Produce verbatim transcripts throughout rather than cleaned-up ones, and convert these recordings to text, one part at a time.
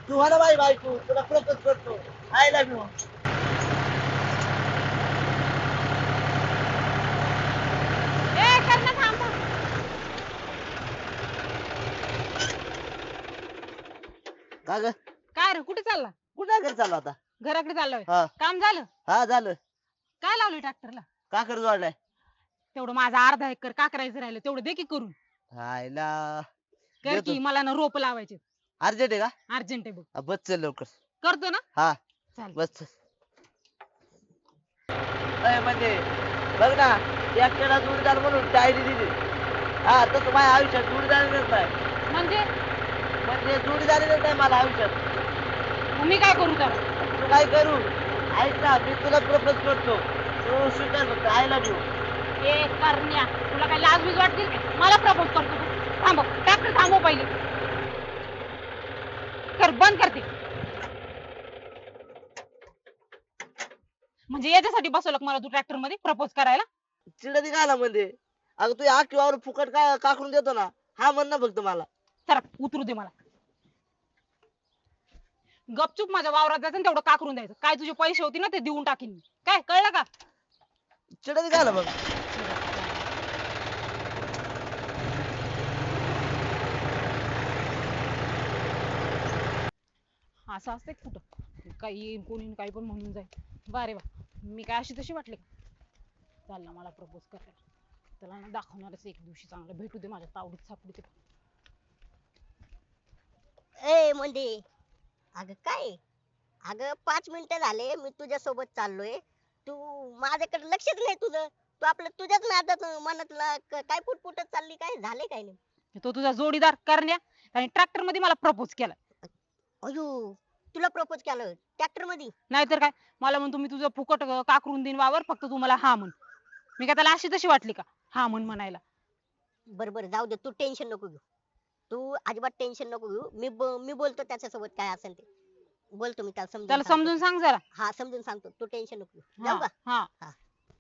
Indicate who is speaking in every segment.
Speaker 1: तू हा ना बाई बायको तुला प्रपोज करतो आय लव्ह यू.
Speaker 2: ए करणं थांब थांब.
Speaker 1: का ग
Speaker 2: काय रे कुठे चालला?
Speaker 1: कुठं घर चालू आता?
Speaker 2: घराकडे चाललोय.
Speaker 1: हा
Speaker 2: काम झालं?
Speaker 1: हा झालं.
Speaker 2: काय लावलं ट्रॅक्टरला?
Speaker 1: का कर जोडलाय?
Speaker 2: तेवढं माझा अर्धा एकर का करायचं राहिलं तेवढं दे की करून.
Speaker 1: हायला
Speaker 2: कर
Speaker 1: देतो.
Speaker 2: की मला ना रोप लावायचे.
Speaker 1: अर्जंट आहे का?
Speaker 2: अर्जंट आहे बघ.
Speaker 1: हा, बस चल लवकर.
Speaker 2: करतो ना?
Speaker 1: हा
Speaker 2: चालेल.
Speaker 1: बस चल. अय म्हणजे बघ ना एकट्याला जोडीदार म्हणून डायरी दिली. हा तसं माझ्या आयुष्यात जोडीदार मिळत नाही.
Speaker 2: म्हणजे
Speaker 1: म्हणजे जोडीदार मिळत नाही मला आयुष्यात.
Speaker 2: मग मी काय करू तर?
Speaker 1: तू काय करू ऐक ना मी तुला प्रपोज करतो तू स्वीकार फक्त आय लव्ह यू.
Speaker 2: ए करण्या तुला काय लाज बीज वाटतील का? मला प्रपोज करतो तू. थांब ट्रॅक्टर थांबव पहिले. कर बंद करते. म्हणजे याच्यासाठी बसवलं का मला तू ट्रॅक्टर मध्ये प्रपोज करायला?
Speaker 1: चिडत निघाला म्हणजे अगं तू या किंवा फुकट काय काकरून देतो ना हा म्हण ना फक्त मला.
Speaker 2: चला उतरू दे मला. गपचूप माझ्या वावरात जायचं आणि तेवढं काकरून द्यायचं. काय तुझे पैसे होते ना ते देऊन टाकीन मी. काय कळलं का?
Speaker 1: चिडत निघाला बघ.
Speaker 2: असं असते कुठं काही येईन कोणी काही पण म्हणून जाईल. बारे वा मी काय अशी तशी वाटले का? चालला मला प्रपोज करायला. त्याला ना दाखवणारच एक दिवशी चांगलं भेटू दे माझ्या तावडीत सापडीत.
Speaker 3: ए म्हणजे अगं काय अगं पाच मिनिटं झाले मी तुझ्या सोबत चाललोय तू माझ्याकडे लक्षच नाही तुझं तू आपलं तुझ्याच नादात मनातला क- काय पुटपुटत चालली काय झाले काय नाही
Speaker 2: तो तुझा जोडीदार करण्या आणि ट्रॅक्टर मध्ये मला प्रपोज केला.
Speaker 3: अयो तुला प्रपोज केलं ट्रॅक्टर मध्ये
Speaker 2: नाहीतर काय मला म्हणतो मी तुझं फुकट अं, काकरून देईन वावर फक्त तू मला हा म्हण. मी काय त्याला अशी तशी वाटली का हा म्हण म्हणायला?
Speaker 3: बरं बरं जाऊ दे तू टेन्शन नको घेऊ तू अजिबात टेन्शन नको घेऊ मी ब- मी बोलतो त्याच्यासोबत काय असेल ते बोलतो मी त्याला समजून
Speaker 2: त्याला
Speaker 3: सांगतो.
Speaker 2: समजून सांग जरा.
Speaker 3: हा समजून सांगतो तू टेन्शन नको घेऊ
Speaker 2: हा
Speaker 3: जाऊ का
Speaker 2: हा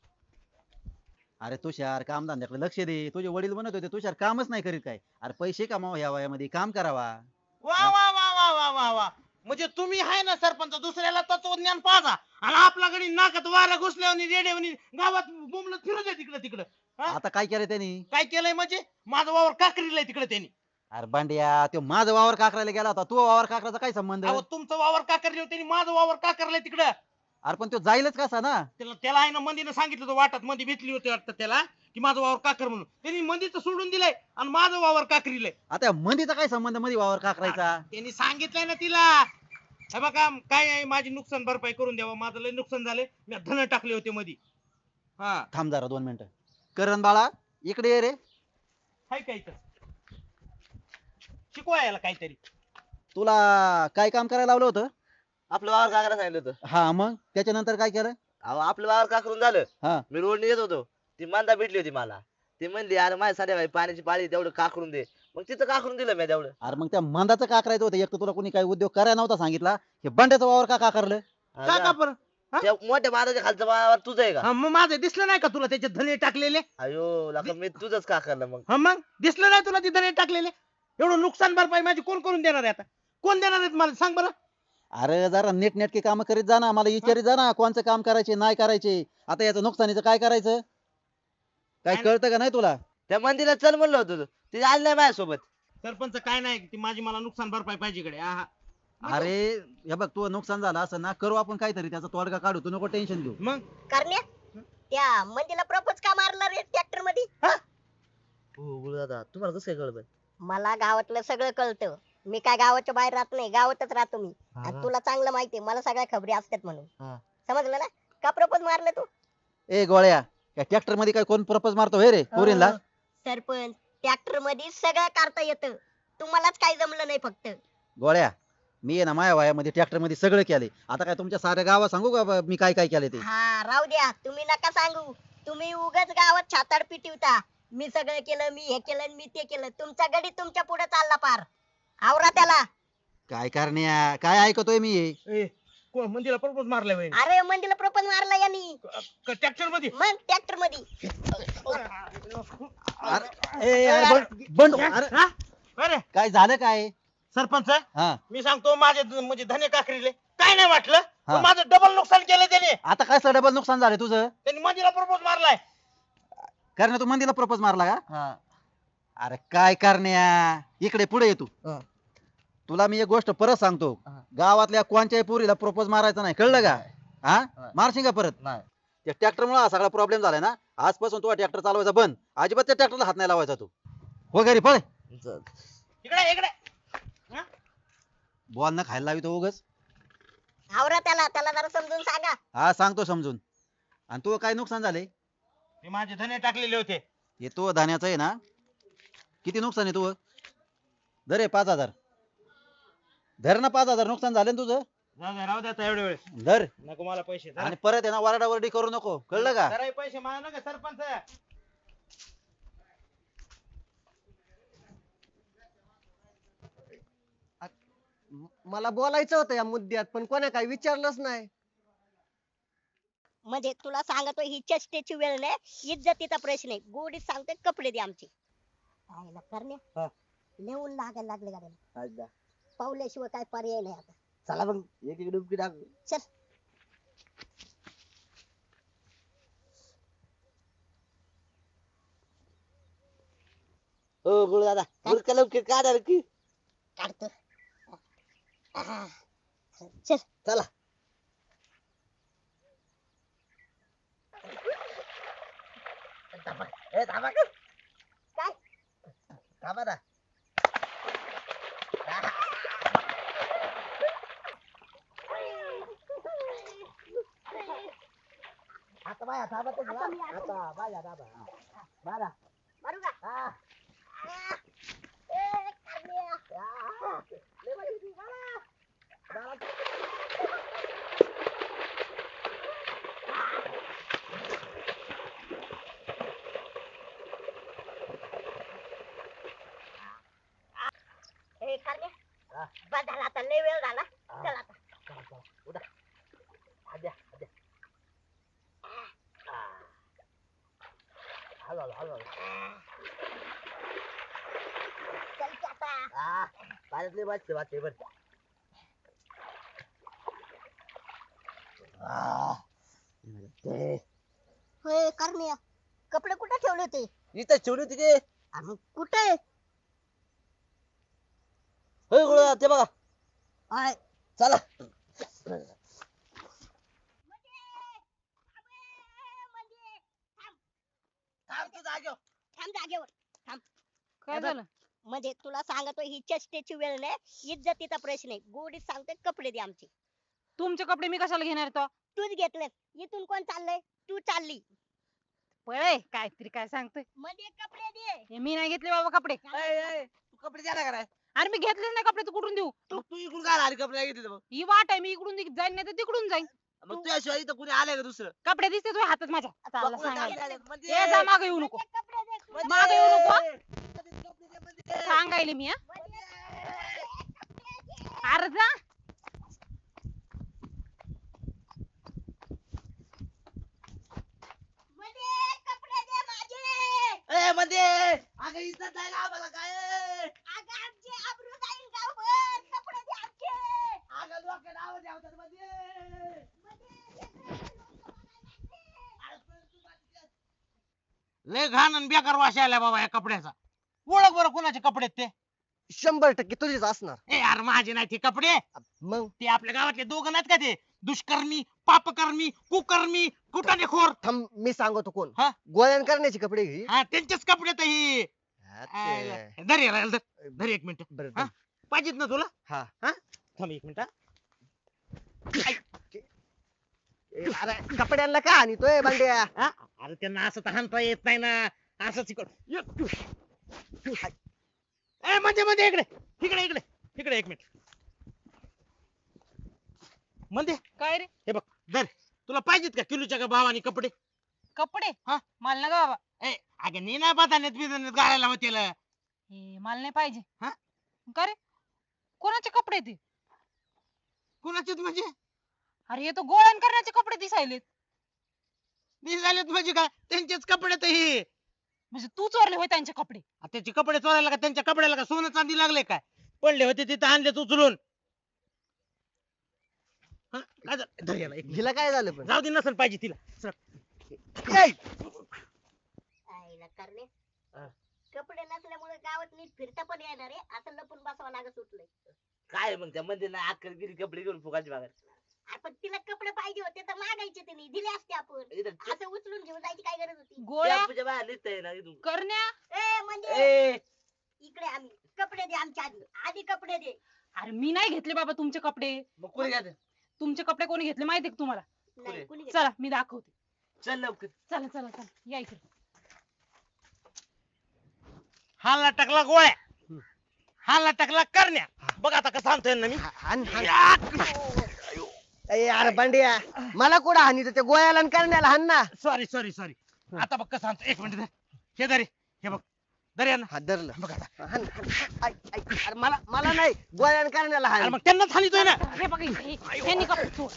Speaker 4: अरे तुषार काम धंद्याकडे लक्ष दे. तुझे वडील म्हणत होते तुषार कामच नाही करीत काय. अरे पैसे कमावा या वयामध्ये काम करावा.
Speaker 5: वा वा वा वा वा वा वा म्हणजे तुम्ही आहे ना सरपंच दुसऱ्याला तत्वज्ञान पाजा आणि आपला गडी नाकात वारा घुसल्यावर रेडिओनी गावात बोंबलत फिरू दे तिकडे तिकडे
Speaker 4: आता काय केलं त्यांनी?
Speaker 5: काय केलंय म्हणजे माझा वावर काकरीलाय तिकडे त्यांनी.
Speaker 4: अरे बांड्या तो माझा वावर काकरायला गेला होता. तो वावर काकराचा काय संबंध?
Speaker 5: अहो तुमचं वावर काकरले त्यांनी माझं वावर काकरलाय तिकडं.
Speaker 4: अरे पण तो जाईलच कसा ना?
Speaker 5: त्याला त्याला आहे ना मंदीनं सांगितलं होतं वाटात मंदी भेटली होती वाटतं त्याला की माझं वावर काकर म्हणून त्यांनी मंदीचं सोडून दिलंय आणि माझं वावर काकरीलंय.
Speaker 4: आता मंदीचा काय संबंध मध्ये वावर काकरायचा?
Speaker 5: त्यांनी सांगितलंय ना तिला हे बघा काय आहे माझी नुकसान भरपाई करून द्यावं माझं लय नुकसान झालंय मी धन टाकले होते मधी. हा
Speaker 4: थांब जरा दोन मिनिटं. करण बाळा इकडे ये रे.
Speaker 5: हाय काय तर शिकवा याला काहीतरी.
Speaker 4: तुला काय काम करायला लावलं होतं?
Speaker 1: आपलं वावर काकरा सांगितलं होतं.
Speaker 4: हा मग त्याच्यानंतर काय केलं?
Speaker 1: अहो आपलं वावर काकरून झालं
Speaker 4: हा
Speaker 1: मी रोडने येत होतो ती मांदा भेटली होती मला ती म्हणली अरे माझ्या संध्याकाळी पाण्याची पाळी तेवढं काकरून दे मग तिथं काकरून दिलं मी तेवढं.
Speaker 4: अरे मग त्या मंदाचं का करायचं होतं? एक तर तुला कोणी काही उद्योग करायला नव्हता सांगितला. हे बंड्याचं वावर का का करलं?
Speaker 5: का का बरं
Speaker 1: त्या मोठ्या बांधाच्या खालचं वावर तुझं आहे का?
Speaker 5: हा, मग माझं दिसलं नाही का तुला त्याच्यात धने टाकलेले?
Speaker 1: अयो लका मी तुझंच का करलं मग.
Speaker 5: हा मग दिसलं नाही तुला ते धने टाकलेले? एवढं नुकसान भरपाई माझी कोण करून देणार आहे आता? कोण देणार आहेत मला सांग बरं.
Speaker 4: अरे जरा नीट नेटके काम करीत जा ना. मला विचारित जा ना कोणचं काम करायचे नाही करायचे. आता याचं नुकसानीचं काय करायचं? काय
Speaker 5: काय-
Speaker 4: कळतं का नाही तुला?
Speaker 1: त्या मंदिरात चल म्हणलं होतं ती आली नाही माझ्यासोबत.
Speaker 5: सरपंच काय नाही ती माझी मला नुकसान भरपाई पाहिजे इकडे. हा, हा.
Speaker 4: अरे हे बघ तू नुकसान झालं असं ना करू आपण काहीतरी त्याचा तोडगा काढू. तू नको टेन्शन घेऊ.
Speaker 5: मग
Speaker 3: करण्या त्या मंदीला प्रपोज का मारला रे ट्रॅक्टर मध्ये
Speaker 1: हो गुरु दादा तुम्हाला कसं काय कळलं?
Speaker 3: मला गावातलं सगळं कळतं मी काय गावाच्या बाहेर राहत नाही गावातच राहतो मी आणि तुला चांगलं माहितीये मला सगळ्या खबरी असतात म्हणून
Speaker 1: हा.
Speaker 3: समजलं ना का प्रपोज मारलं तू
Speaker 4: ए गोळ्या या ट्रॅक्टर मध्ये काय कोण प्रपोज मारतो हे रे पोरींला?
Speaker 3: हो, सरपंच ट्रॅक्टर मध्ये सगळं करता येतं तुम्हालाच काही जमलं नाही फक्त
Speaker 4: गोळ्या मी आहे ना माझ्या वयामध्ये ट्रॅक्टर मध्ये सगळं केले. आता काय तुमच्या साऱ्या गावात सांगू का ब- मी काय काय केले ते?
Speaker 3: हा राहू द्या तुम्ही नका सांगू तुम्ही उगाच गावात छाताड पिटिवता मी सगळं केलं मी हे केलं आणि मी ते केलं तुमचा गडी तुमच्या पुढे चालला पार आवरा त्याला
Speaker 4: काय करण्या काय ऐकतोय मी हे?
Speaker 5: ए, कोण मंदीला प्रपोज मारलाय वय
Speaker 3: अरे मंदीला प्रपोज मारला यांनी
Speaker 5: ट्रॅक्टर मध्ये?
Speaker 3: मग ट्रॅक्टर मध्ये
Speaker 4: अरे ए, अरे बंड- बंड- अरे
Speaker 5: हा? अरे
Speaker 4: काय झालं काय?
Speaker 5: सरपंच
Speaker 4: हा
Speaker 5: मी सांगतो माझे द- म्हणजे धने काकरीले काय नाही वाटलं
Speaker 4: हा.
Speaker 5: पण माझं डबल नुकसान केलं त्याने
Speaker 4: आता काय डबल नुकसान झालं तुझं?
Speaker 5: त्यांनी मंदीला प्रपोज मारलाय.
Speaker 4: कारण तू मंदीला प्रपोज मारला का?
Speaker 1: हा
Speaker 4: अरे काय करण्या, इकडे पुढे ये तू.
Speaker 1: हा.
Speaker 4: तुला मी एक गोष्ट परत सांगतो,
Speaker 1: हा.
Speaker 4: गावातल्या कोणत्याही पोरीला प्रपोज मारायचा नाही, कळलं का? हा
Speaker 1: नाही.
Speaker 4: मारशील का परत?
Speaker 1: नाही
Speaker 4: त्या ट्रॅक्टर मुळे हा सगळा प्रॉब्लेम झालाय ना. आजपासून तुला ट्रॅक्टर चालवायचा बंद, अजिबात त्या ट्रॅक्टरला हात नाही लावायचा तू. हो घरी पळ.
Speaker 1: ज-
Speaker 5: इकडे इकडे हा?
Speaker 4: बॉल न खायला लावी तो उगच.
Speaker 3: आवरा त्याला त्याला जरा समजून सांगा.
Speaker 4: हा सांगतो समजून. आणि तू काय नुकसान झाले?
Speaker 5: हे माझे धने टाकलेले होते.
Speaker 4: हे तो धान्याचं आहे ना. किती नुकसान आहे तू? धर हे पाच हजार. धर ना, पाच हजार नुकसान झालं ना तुझं.
Speaker 5: जाऊ द्या, राहू द्या आता एवढे वेळेस
Speaker 4: धर.
Speaker 5: नको मला पैसे धरा.
Speaker 4: आणि परत आहे ना वरडावरडी करू नको, कळलं का?
Speaker 5: जरा हे पैसे मला नका सरपंच.
Speaker 6: मला बोलायचं होतं या मुद्द्यात पण कोणा काही विचारलंच नाही.
Speaker 3: म्हणजे तुला सांगतो ही चेष्टेची वेळ नाही, इज्जतीचा प्रश्न आहे. गोडीत सांगते कपडे दे आमचे. पाहायला करणे
Speaker 1: हा.
Speaker 3: नेऊन लागायला लागले गाड्याला.
Speaker 1: अच्छा.
Speaker 3: पावल्याशिवाय काय पर्याय नाही आता.
Speaker 1: चला मग एक एक डुबकी टाकू.
Speaker 3: चल.
Speaker 1: हो गुरु दादा गुरका लवकर काढा रे की.
Speaker 3: काढतो. आहा. चल.
Speaker 1: चला ए थांबा का
Speaker 3: काय?
Speaker 1: थांबा ना. आता बाया थांबा तुम्ही,
Speaker 3: आता मी
Speaker 1: हा.
Speaker 3: आता-
Speaker 1: आता बाया थांबा, हा. मारा.
Speaker 3: मारू का?
Speaker 1: हा.
Speaker 3: आ. ए, करण्या.
Speaker 1: हा. लय भारी होती, मारा. मारा.
Speaker 3: ए, करण्या.
Speaker 1: हा.
Speaker 3: बस झाला आता, लय वेळ झाला.
Speaker 1: हा.
Speaker 3: चल आता.
Speaker 1: चला, चला. उठा. आद्या, आद्या. हा. हळू, हळू, हळू, हळू.
Speaker 3: चल की आता.
Speaker 1: हा. पाण्यातली वाचते, वाचते बरं. हा. ते
Speaker 3: होय करण्या, कपडे कुठे ठेवले होते?
Speaker 1: इथं ठेवली होती ते.
Speaker 3: अरे कुठे?
Speaker 1: होय गुरुदादा, ते बघा.
Speaker 3: आय.
Speaker 1: चला. थांब की जागेवर.
Speaker 3: थांब जागेवर.
Speaker 2: काय
Speaker 3: हे बघ.
Speaker 2: झालं?
Speaker 3: म्हणजे तुला सांगतो ही चेष्टेची वेळ नाही, इज्जतीचा प्रश्न आहे. गोडीत सांगते कपडे दे आमचे.
Speaker 2: तुमचे कपडे मी कशाला घेणार तो?
Speaker 3: तूच घेतले. इथून कोण चाललंय? तू चालली.
Speaker 2: पळे काहीतरी काय सांगतोय.
Speaker 3: मध्ये कपडे दे.
Speaker 2: हे मी नाही घेतले बाबा कपडे.
Speaker 1: ए, ए, तू कपडे द्या ना काय
Speaker 2: अरे मी घेतलेच नाही कपडे, तू कुठून देऊ?
Speaker 1: तू तू इकडून काय आली कपडे घेतले मग
Speaker 2: ही वाट आहे, मी इकडून दि- जाईन नाही तर तिकडून जाईन.
Speaker 1: मग तुझ्याशिवाय इथं कुणी आलंय का दुसरं
Speaker 2: कपडे दिसते तुझ्या हातात माझ्या. चालला
Speaker 1: बघ, कुणी
Speaker 2: सांगायला.
Speaker 1: टाकले आलेत. म्हणजे-
Speaker 2: ए जा मागे येऊ नको.
Speaker 3: मध्ये कपडे दे. तू.
Speaker 1: म्हणजे-
Speaker 2: मागे येऊ नको.
Speaker 1: कपडे दे, म्हणजे-
Speaker 2: सांगायले मी हा.
Speaker 3: मध्ये कपडे दे.
Speaker 2: अरे जा.
Speaker 3: मध्ये कपडे दे माझे.
Speaker 1: ए मध्ये अगं इज्जत नाही का आम्हाला काय
Speaker 3: अगं आमची आबरू जाईल गावभर. कपडे दे आमचे.
Speaker 1: अगं लोक नाव ठेवतात मध्ये
Speaker 5: लय घाण आणि बेकार वास आलाय बाबा या कपड्याचा. ओळख बरं कोणाचे कपडे आहेत ते.
Speaker 6: शंभर टक्के तुझीच असणार.
Speaker 5: ए यार माझे नाही ते कपडे.
Speaker 6: मग
Speaker 5: ते आपल्या गावातले दोघं नाहीत का ते दुष्कर्मी पापकर्मी कुकर्मी कुटाणेखोर.
Speaker 6: थांब मी सांगतो कोण.
Speaker 5: हा?
Speaker 6: गोळ्यान करण्याची कपडे घे.
Speaker 5: हा त्यांचेच कपडे तर ही.
Speaker 6: हा, ते-
Speaker 5: धर याला, धर धर एक मिनिट.
Speaker 6: बरं,
Speaker 5: हा? पाहिजेत ना तुला?
Speaker 6: हा.
Speaker 5: थांब एक मिनिट.
Speaker 6: ए, अरे कपड्यांना का आणतोय बांड्या?
Speaker 5: हा? अरे त्यांना असं तर हाणता येत नाही ना. असंच इकड ए म्हणजे म्हणजे इकडे इकडे इकडे इकडे एक मिनिट. म्हणजे
Speaker 2: काय रे?
Speaker 5: हे बघ धर. तुला पाहिजेत का किलोच्या का भावानी कपडे?
Speaker 2: कपडे?
Speaker 5: हा?
Speaker 2: मला नका बाबा.
Speaker 5: ए अगं नी ना बदाण्यात बिदाण्यात घालायला होतील.
Speaker 2: हे मला नाही पाहिजे.
Speaker 5: हा?
Speaker 2: का रे? कोणाचे कपडे ते?
Speaker 5: कुणाचेच म्हणजे
Speaker 2: अरे हे तर गोळ्यान करण्याचे कपडे दिसायलेत.
Speaker 5: दिसायलेत म्हणजे काय त्यांचेच कपडे तर हे.
Speaker 2: म्हणजे तू चोरले होय त्यांचे कपडे?
Speaker 5: आ, त्याचे कपडे चोरायला का त्यांच्या कपड्याला का सोनं चांदी लागले काय? पडले होते तिथे आणलेत उचलून. हा, काय झालं? धर याला एक मिनिट.
Speaker 6: हिला काय झालं पण
Speaker 5: जाऊ दे नसेल पाहिजे तिला. सर.
Speaker 3: आईला करणे
Speaker 1: हा.
Speaker 3: कपडे नसल्यामुळे गावात नीट फिरता पण येणार आहे असं लपून बसावं लागत सुटलंय.
Speaker 1: काय मग त्या मंदिरला अक्कल गिरी कपडे घेऊन फुगाची बाहेर
Speaker 3: आपण तिला कपडे पाहिजे होते तर मागायचे तिने दिले असते आपण.
Speaker 1: इथं
Speaker 3: असं उचलून घेऊन जायची काय गरज होती.
Speaker 2: गोळ्या
Speaker 1: टेम्पोच्या बाहेर निघता ना इथून.
Speaker 2: करण्या
Speaker 3: ए म्हणजे
Speaker 1: ए
Speaker 3: इकडे आम्ही कपडे दे आमच्या आधी आधी कपडे दे.
Speaker 2: अरे मी नाही घेतले बाबा तुमचे कपडे.
Speaker 1: मग कोणी घ्या
Speaker 2: तुमचे कपडे कोणी घेतले माहितीये का तुम्हाला?
Speaker 3: नाही कुणी घेतलं?
Speaker 2: चला मी दाखवते.
Speaker 1: चल लवकर.
Speaker 2: चला चला चला या इकडे.
Speaker 5: हाला टाकला गोळ्या, हाला टाकला करण्या. बघ आता कसं आणतोय ना मी.
Speaker 6: हाण, हाण. ए, अरे बांड्या मला कुठं हानी त्या गोळ्याला आणि करण्याला हाण ना.
Speaker 5: Sorry sorry sorry. आता बघ कसं आणतो. एक मिनिट. हे धरे, हे बघ धर ना.
Speaker 6: हा धरलं.
Speaker 5: बघ आता.
Speaker 6: हाण, हाण. ऐक, ऐक. अरे मला मला नाही गोळ्या आणि करण्याला
Speaker 5: अरे
Speaker 6: हाण.
Speaker 5: मग त्यांनाच हानितोय ना.
Speaker 2: हे बघा हे- हे- ह्यांनी कपडे चोर.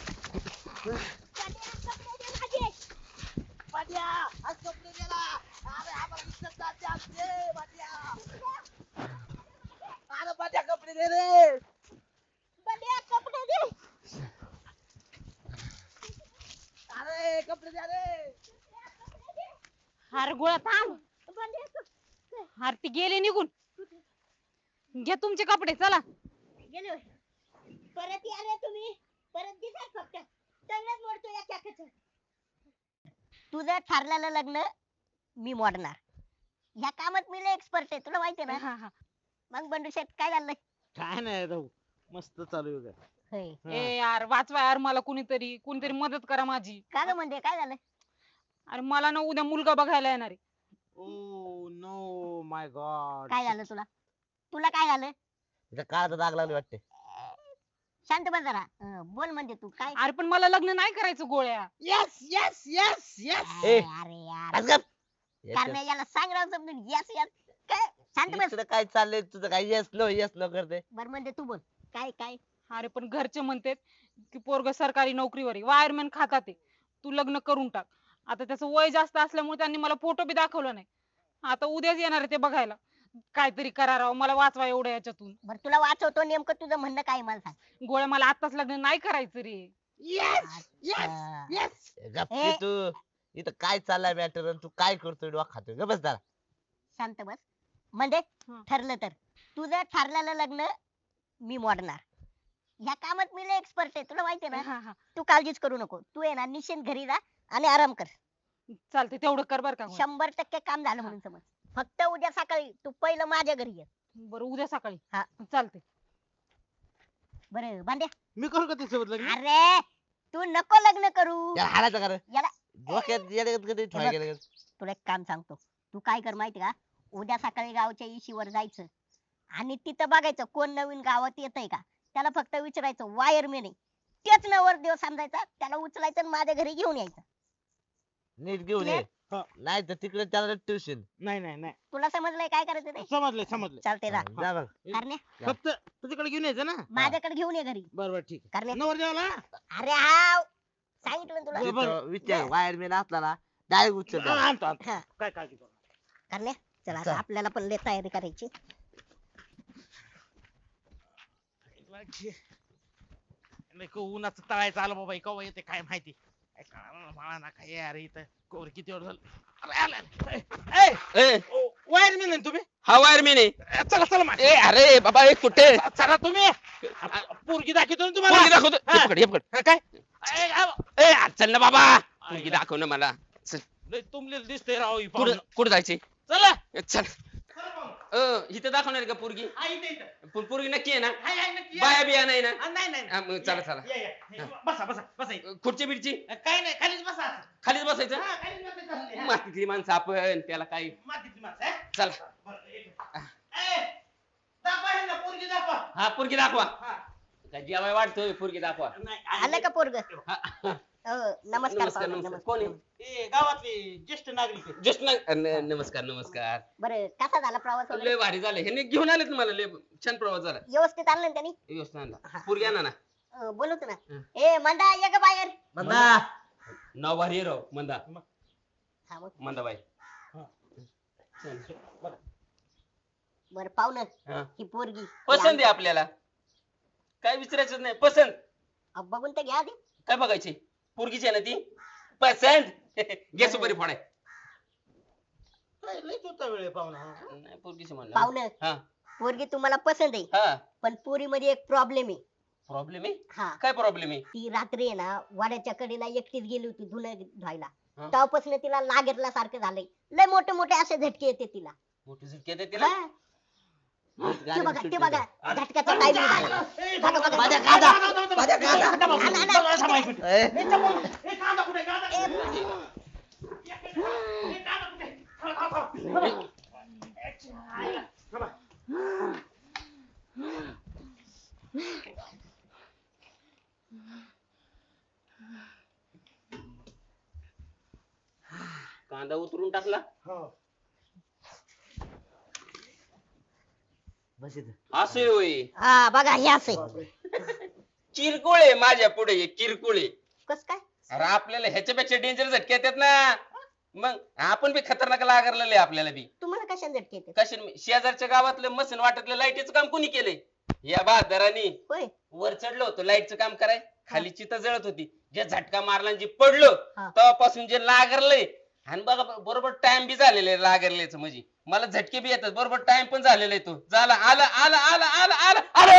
Speaker 3: कपडे दे माझे.
Speaker 1: पाट्या आज कपडे गेला. अरे आम्हाला इज्जत जाते आमची पाट्या. अरे पाट्या कपडे दे रे.
Speaker 3: बंड्या कपडे दे.
Speaker 1: अरे कपडे द्या रे.
Speaker 2: अरे गोळ्या थांब.
Speaker 3: बंड्या क-
Speaker 2: अरे ती गेले निघून. घ्या तुमचे कपडे चला.
Speaker 3: गेले होय. परत या रे तुम्ही परत दिसाल फक्त सगळंच मोडतो या चाकाचं. तुझं ठरलेलं लग्न मी मोडणार ह्या कामात मी लय एक्सपर्ट आहे तुला माहितीये ना.
Speaker 2: हा, हा.
Speaker 3: मग बंडू शेठ काय झालं?
Speaker 5: काय नाही भाऊ, मस्त चालू आहे.
Speaker 3: होय.
Speaker 2: ए यार वाचवा यार मला कुणीतरी कुणीतरी मदत करा माझी.
Speaker 3: का ग म्हणजे काय झालं?
Speaker 2: अरे मला ना उद्या मुलगा बघायला येणार आहे.
Speaker 5: Oh no my God.
Speaker 3: काय झालं तुला? तुला काय झालं?
Speaker 1: इथं काळाचा दाग लागले वाटते.
Speaker 3: शांत बस जरा. अं, बोल म्हणजे तू काय?
Speaker 2: अरे पण मला लग्न नाही करायचं गोळ्या.
Speaker 5: Yes yes yes yes.
Speaker 1: ए.
Speaker 3: अरे यार
Speaker 1: आज गप.
Speaker 3: कारण याला सांग राव समजून यस यस काय शांत बस.
Speaker 1: इकडं काय चाललंय तुझं काय येस नो येस नो करते.
Speaker 3: बर म्हणजे तू बोल काय काय?
Speaker 2: अरे पण घरचे म्हणतात की पोरग सरकारी नोकरीवर आहे वायरमॅन खातात आहे. तू लग्न करून टाक. आता त्याचं वय जास्त असल्यामुळे त्यांनी मला फोटो बी दाखवला नाही. आता उद्याच येणार आहे ते बघायला. काहीतरी करा राव मला वाचवा एवढ्या याच्यातून.
Speaker 3: बर तुला वाचवतो नेमकं तुझं म्हणणं काय आहे मला सांग.
Speaker 2: गोळ्या मला आताच लग्न नाही करायचं रे.
Speaker 5: यस यस
Speaker 3: अच्छा.
Speaker 5: यस.
Speaker 1: गप
Speaker 3: ए.
Speaker 1: की तू. इथं काय चाललाय मॅटर तू काय करतोय डोळा खातोय ग बस जरा.
Speaker 3: शांत बस. म्हणजे
Speaker 2: हं.
Speaker 3: ठरलं तर तुझं ठरलेलं लग्न मी मोडणार ह्या कामात मी लय एक्सपर्ट आहे तुला माहितीये ना.
Speaker 2: हा हा
Speaker 3: तू काळजीच करू नको. तू आहे ना निश्चिंत घरी जा आणि आराम कर.
Speaker 2: चालते तेवढं कर बर का गोळ्या.
Speaker 3: शंभर टक्के काम झालं म्हणून समज. फक्त उद्या सकाळी तू पहिलं माझ्या घरी ये.
Speaker 2: बरं उद्या सकाळी.
Speaker 3: हा.
Speaker 2: चालते.
Speaker 3: बरं भांड्या.
Speaker 5: मी करू का त्याच्यासोबत लग्न?
Speaker 3: अरे तू नको लग्न करू.
Speaker 1: याला हालायचं का रे?
Speaker 3: याला
Speaker 1: डोक्यात येड्यागत कधी ठोया
Speaker 3: बघ.
Speaker 1: गेलं.
Speaker 3: तुला एक काम सांगतो. तू काय कर माहिती का उद्या सकाळी गावच्या इशीवर जायचं आणि तिथं बघायचं कोण नवीन गावात येतंय का. त्याला फक्त विचारायचं वायरमॅन आहे तेच नवर देव समजायचा त्याला उचलायचं आणि माझ्या घरी घेऊन यायचं.
Speaker 1: नीट घेऊन ये.
Speaker 5: हा.
Speaker 1: नाही तर तिकडे त्याला ट्युशन.
Speaker 5: नाही नाही नाही.
Speaker 3: तुला समजलंय काय करायचं ते?
Speaker 5: समजलंय समजलंय.
Speaker 3: चालते जा.
Speaker 1: जा बघ.
Speaker 3: करण्या
Speaker 5: फक्त तुझ्याकडे घेऊन यायचं ना.
Speaker 3: माझ्याकडे घेऊन ये घरी.
Speaker 5: बरोबर ठीक आहे.
Speaker 3: करण्या
Speaker 5: नवर देवाला.
Speaker 3: अरे हाव सांगितलं ना तुला.
Speaker 5: बरं, बरं.
Speaker 1: तिथं विचार वायरमॅन असला ना डायरेक्ट उचल
Speaker 5: हा,
Speaker 1: त्याला.
Speaker 5: आणतो आणतो.
Speaker 3: हा.
Speaker 5: काय काळजी करू नका.
Speaker 3: करण्या चला आता
Speaker 1: चल.
Speaker 3: आपल्याला पण लय तयारी करायची.
Speaker 5: नाही का उन्हाचं तळायचं आलं बाबा केव्हा येते काय माहिती. काय कळालं मला ना काय अरे इथं कोर किती वेळ झालं. अरे आलं, आलं. ए, ए,
Speaker 7: ए
Speaker 5: ओ, वायरमॅन आहे तुम्ही?
Speaker 7: हा वायरमॅन आहे.
Speaker 5: ए, चला चला माझ्या.
Speaker 7: ए अरे बाबा एक कुठे
Speaker 5: चला तुम्ही. पोरगी दाखवतो ना
Speaker 7: पोरगी
Speaker 5: तुम्हाला.
Speaker 7: दाखवतो
Speaker 5: हा.
Speaker 7: हे पकड हे पकड
Speaker 5: हा, काय ए, आ-
Speaker 7: ए आ, चल ना बाबा पोरगी दाखव ना मला चल
Speaker 5: लय तुमले दिसतंय राव ही
Speaker 7: कुठं
Speaker 5: पाहुणं.
Speaker 7: कुठं जायचे
Speaker 5: चला
Speaker 7: चल
Speaker 5: चला पाहुणं.
Speaker 7: अ, इथं दाखवणार का पोरगी
Speaker 5: हा, इथं, इथं.
Speaker 7: पण पोरगी नक्की आहे ना
Speaker 5: हाय, हाय, नक्की या.
Speaker 7: बाया बिया नाही ना
Speaker 5: हा, नाही नाही
Speaker 7: हा, मग चला,
Speaker 5: या,
Speaker 7: चला.
Speaker 5: या, या. हे, बसा बसा बसा इथं.
Speaker 7: खुर्ची बिडची
Speaker 5: काय नाही खालीच बसा.
Speaker 7: खालीच बसायचं
Speaker 5: हा, खालीच बसायचं असते, हा.
Speaker 7: मातीतली माणसं आपण त्याला काय
Speaker 5: मातीतली माणसं, हा?
Speaker 7: चला
Speaker 5: बरं, एक मिनिट. ए, दाखवा ह्यांना, पोरगी दाखवा.
Speaker 7: हा पोरगी दाखवा
Speaker 5: हा.
Speaker 7: काय जेवाय वाटतोय पोरगी दाखवा
Speaker 5: नाही,
Speaker 3: आलं का पोरग?
Speaker 7: हा, हा.
Speaker 3: नमस्कार
Speaker 7: नमस्कार
Speaker 3: पाहुणे,
Speaker 7: नमस्कार
Speaker 3: नमस्कार.
Speaker 7: कोण आहे
Speaker 5: ए, गावातले ज्येष्ठ नागरिक आहेत.
Speaker 7: जस्ट नमस्कार नमस्कार
Speaker 3: बरं कसा झाला प्रवास वगैरे?
Speaker 7: लय भारी झालं ह्याने घेऊन आले मला लय छान प्रवास झाला
Speaker 3: व्यवस्थित आणलं ना त्यांनी?
Speaker 7: व्यवस्थित आणला पोरगी आणा ना
Speaker 3: अं, बोलवतो ना.
Speaker 7: हं.
Speaker 3: ए मंदा ये ग बाहेर.
Speaker 1: मंदा.
Speaker 7: नाव भारी आहे राव मंदा
Speaker 3: हा, मग.
Speaker 7: मंदाबाई
Speaker 5: हा.
Speaker 7: चल.
Speaker 3: बर पाहुणं
Speaker 7: हा.
Speaker 3: ही पोरगी
Speaker 7: पसंत आहे आपल्याला, काय विचारायचं नाही, पसंत.
Speaker 3: अहो, बघून तर घ्या आधी.
Speaker 7: काय बघायची, पोरगीची आहे ना ती पसंत. घे सुपारी फोडाय.
Speaker 5: काय लयच होता वेळ पाहुणा.
Speaker 7: नाही पोरगीची म्हणलं.
Speaker 3: पाहुणं
Speaker 7: हा
Speaker 3: पोरगी तुम्हाला पसंत आहे
Speaker 7: हा
Speaker 3: पण पोरी मध्ये एक प्रॉब्लेम आहे.
Speaker 7: प्रॉब्लेम आहे.
Speaker 3: हा
Speaker 7: काय प्रॉब्लेम आहे?
Speaker 3: ती रात्री आहे ना वाड्याच्या कडेला एकटीच गेली होती धुणं धुवायला.
Speaker 7: हा.
Speaker 3: तेव्हापासून तिला लागेतला सारखं झालंय. लय मोठे मोठे असे झटके येते तिला.
Speaker 7: मोठी झटके देते तिला.
Speaker 3: हा. ते बघा ते बघा झटक्याचा टायमिंग झाला. बघा, बघा.
Speaker 1: माझ्या गादा माझ्या गादा
Speaker 3: आणा, आणा.
Speaker 4: ए,
Speaker 5: ए, कांदा कुठे कांदा
Speaker 3: ए,
Speaker 5: ए, कांदा कुठे? थांब, थांब, थांब. थांबा.
Speaker 7: कांदा उतरून टाकला.
Speaker 5: हो.
Speaker 4: बस इथं.
Speaker 7: असे होय.
Speaker 3: हा बघा हे असे
Speaker 7: किरकोळ आहे माझ्या पुढे हे किरकोळ आहे.
Speaker 3: कस काय
Speaker 7: अरे आपल्याला ह्याच्यापेक्षा डेंजर झटके येतात ना. मग आपण बी खतरनाक लागलेले आपल्याला बी.
Speaker 3: तुम्हाला कशाने झटके येते
Speaker 7: कशाने मी- शेजारच्या गावातलं मशीन वाटतलं लाईटीचं काम कोणी केलंय? या बहादरांनी.
Speaker 3: होय
Speaker 7: वर चढलो होतो लाईटचं काम कराय, खाली चिता जळत होती, जे झटका मारला आणि जे पडलो
Speaker 3: हा.
Speaker 7: तेव्हापासून जे लागरलंय. आणि बघा बरोबर टाइम बी झालेला आहे लागरल्याचं, म्हणजे मला झटके बी येतात बरोबर टाइम पण झालेला आहे. तो झाला आला आला आला आला आला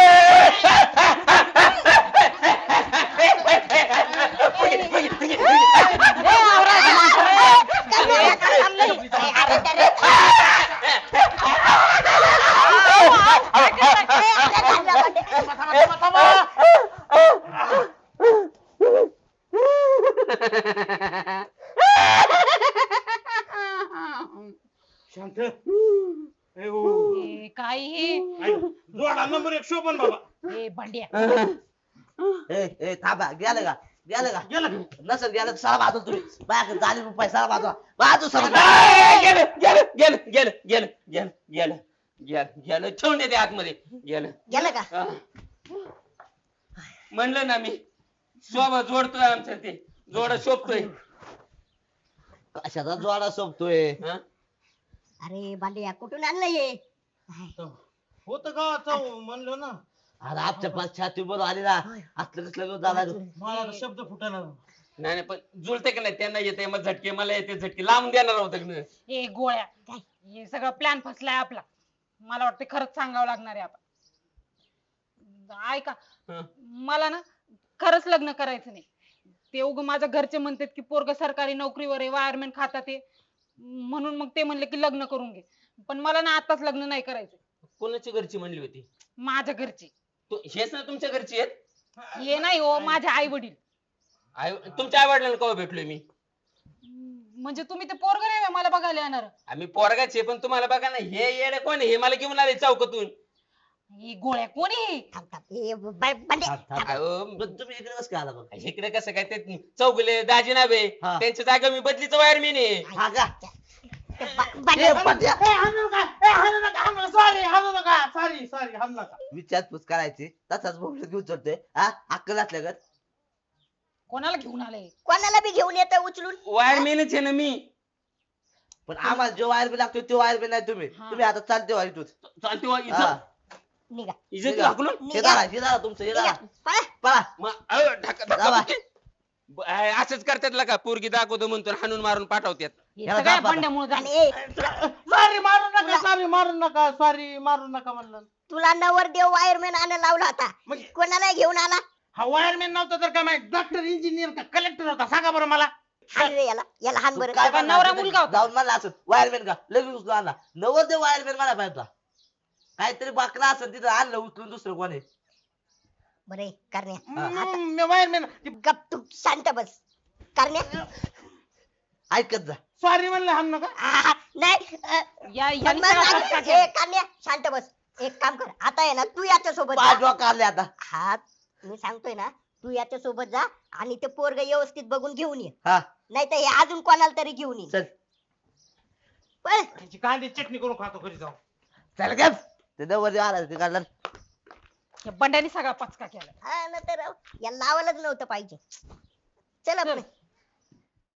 Speaker 5: शांत. ए, ओ.
Speaker 2: ए, काय हे
Speaker 5: ऐक, जोडा नंबर एक शोभन बाबा.
Speaker 2: ए बंड्या
Speaker 1: ए ए थांबा गेलं का गेलं का
Speaker 5: गेला
Speaker 1: नसेल गेलं तर साला बाजू तुम्ही बाहेर झाले रुपये साला बाजू बाजू
Speaker 7: गेलं
Speaker 1: सर
Speaker 7: गेलं गेलं गेलं गेलं गेलं गेलं गेलं गेलं ठेवून देते आतमध्ये गेलं.
Speaker 3: गेलं का
Speaker 7: हा. म्हणलं ना मी शोभा जोडतोय आमचं ते जोड शोभतोय.
Speaker 1: कशाचा जोडा सोबतोय
Speaker 7: हा?
Speaker 3: अरे बांड्या कुठून आणलं हे
Speaker 5: होत का चव म्हणलं ना.
Speaker 1: अरे आमच्या पास छाती बरोबर आली ना असलं कसलं झाला
Speaker 5: मला आता शब्द फुटायला.
Speaker 7: नाही नाही पण जुळते का नाही, त्यांना येते मग झटके, मला येते झटके, लावून देणार होतं ना.
Speaker 2: ए गोळ्या हे सगळं प्लॅन फसलाय आपला. मला वाटतं खरंच सांगावं लागणार आहे आपण. ऐका
Speaker 7: हं.
Speaker 2: मला ना खरंच लग्न करायचं नाही. ते उग माझ्या घरचे म्हणतात की पोरग सरकारी नोकरीवर आहे, वायरमॅन खातात ते, म्हणून मग ते म्हणले की लग्न करून घे. पण मला ना आताच लग्न नाही करायचं.
Speaker 7: कोणाची घरची म्हणली होती?
Speaker 2: माझ्या घरचे.
Speaker 7: तू हेच ना तुमच्या घरची आहेत?
Speaker 2: हे नाही हो, माझे आई वडील.
Speaker 7: आई तुमच्या आई वडिलांना केव्हा भेटलोय मी?
Speaker 2: म्हणजे तुम्ही ते पोरग नाही मला बघायला येणार.
Speaker 7: आम्ही पोरगाचे, पण तुम्हाला बघा ना हे येडे कोण आहे? हे मला घेऊन आले चौकातून.
Speaker 2: ही गोळ्या कोणी?
Speaker 3: थांब थांब ए बा- बांड्या
Speaker 7: अहो,
Speaker 1: पण तुम्ही इकडे कसं काय आला बघ
Speaker 7: इकडे कसं काय ते चौगले दाजी नावे
Speaker 1: हा.
Speaker 7: त्यांच्या जागा मी बदलीचं वायरमॅन आहे.
Speaker 1: हा का
Speaker 3: ते बा- बांड्या
Speaker 1: ए, पट्या.
Speaker 5: ए, हाणू नका, ए, हाणू नका, हाणू नका, सॉरी हाणू नका, सॉरी सॉरी हाणू नका.
Speaker 1: विचारपूस करायची तसाच बोबडत घेऊन चढतोय हा अक्कल असल्यागत
Speaker 2: कोणाला घेऊन आले?
Speaker 3: कोणाला बी घेऊन येत उचलून
Speaker 7: वायरमॅनच आहे ना मी.
Speaker 1: पण आम्हाला जो वायर बी लागतोय तो वायर बी नाही तुम्ही
Speaker 2: हा.
Speaker 1: तुम्ही आता चालते वायर इथून
Speaker 7: चालते वा,
Speaker 1: हा.
Speaker 7: इज्जत
Speaker 3: निघा
Speaker 7: इज्जत
Speaker 1: निघा.
Speaker 7: हाकलून.
Speaker 1: हे धरा, हे धरा तुमचं हे
Speaker 3: निघा
Speaker 1: धरा.
Speaker 3: पळा.
Speaker 1: पळा
Speaker 7: मग, अहो, ढका- ढका
Speaker 1: जावा.
Speaker 7: बुक्की. ब- अय, असंच करतात का पोरगी दाखवतो म्हणतो हाणून मारून पाठवतात.
Speaker 2: हे
Speaker 1: याला
Speaker 2: सगळ्या
Speaker 1: दाबा.
Speaker 2: बंड्यामुळे
Speaker 3: आणि
Speaker 2: झालं.
Speaker 3: ए
Speaker 5: सॉरी मारू नका, सॉरी मारू नका, सॉरी मारू नका म्हणलं.
Speaker 3: तुला नवरदेव वायरमॅन आणायला लावला होता
Speaker 5: मग
Speaker 3: कोणाला घेऊन आला
Speaker 5: हा वायरमॅन नव्हता तर काय माहित डॉक्टर इंजिनियर का कलेक्टर होता सांगा बरं मला.
Speaker 3: हाण रे याला याला हान
Speaker 1: तू
Speaker 3: बरं
Speaker 1: काय
Speaker 2: बाबा,
Speaker 1: म्हणला
Speaker 2: नवरा
Speaker 1: असं
Speaker 2: मुलगा होता.
Speaker 1: जाऊन म्हणला असं वायरमॅन का लगेच उचलून आणला नवर ते वायरमॅन मला पाहिजे होता. काहीतरी बाकला असं तिथं आणलं उचलून दुसरं कोणी
Speaker 3: बरे करण्या
Speaker 5: हम्म, वायरमॅन
Speaker 3: गप तू शांत बस करण्या
Speaker 1: ऐकत जा
Speaker 5: सॉरी म्हणलं हाणू नका.
Speaker 3: आ, नाही अ,
Speaker 2: या
Speaker 3: पण
Speaker 2: यांनी
Speaker 3: मग
Speaker 2: सगळा
Speaker 3: आता-
Speaker 2: फटका
Speaker 3: ए,
Speaker 2: केला.
Speaker 3: करण्या शांत बस एक काम कर आता आहे ना तू याच्या सोबत
Speaker 1: पाच काढले आता
Speaker 3: हा मी सांगतोय ना तू याच्या सोबत जा आणि ते पोरग व्यवस्थित बघून घेऊन ये
Speaker 1: हा
Speaker 3: नाही तर हे अजून कोणाला तरी घेऊन ये
Speaker 1: चल
Speaker 3: पळ.
Speaker 5: त्याची कांदी चटणी करून खातो घरी जाऊन.
Speaker 1: चल गप ते नवर आला ते काढला
Speaker 2: या बंड्याने सगळा पचका केला.
Speaker 3: हा ना तर या लावायलाच नव्हतं पाहिजे चल आपण